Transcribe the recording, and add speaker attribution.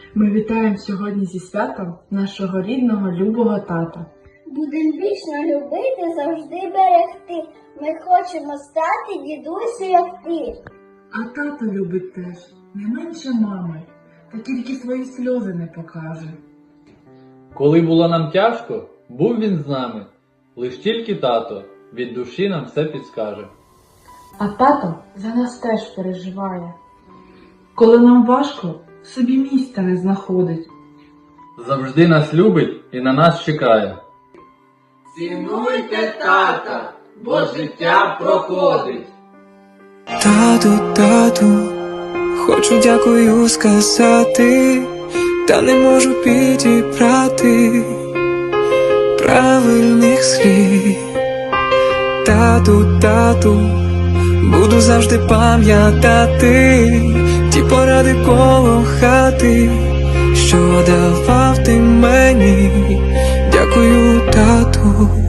Speaker 1: Ми вітаємо сьогодні зі святом нашого рідного, любого тата.
Speaker 2: Будем вічно любити, завжди берегти. Ми хочемо стати дідусю, як ти.
Speaker 1: А тато любить теж, не менше мами, та тільки свої сльози не покаже.
Speaker 3: Коли було нам тяжко, був він з нами. Лиш тільки тато від душі нам все підскаже.
Speaker 1: А тато за нас теж переживає. Коли нам важко, собі місця не знаходить.
Speaker 3: Завжди нас любить і на нас чекає.
Speaker 4: Цінуйте тата, бо життя проходить.
Speaker 5: Тату, хочу дякую сказати, та не можу підібрати правильних слів. Тату, буду завжди пам'ятати ті поради коло хати, що давав ти мені. Дякую, тату.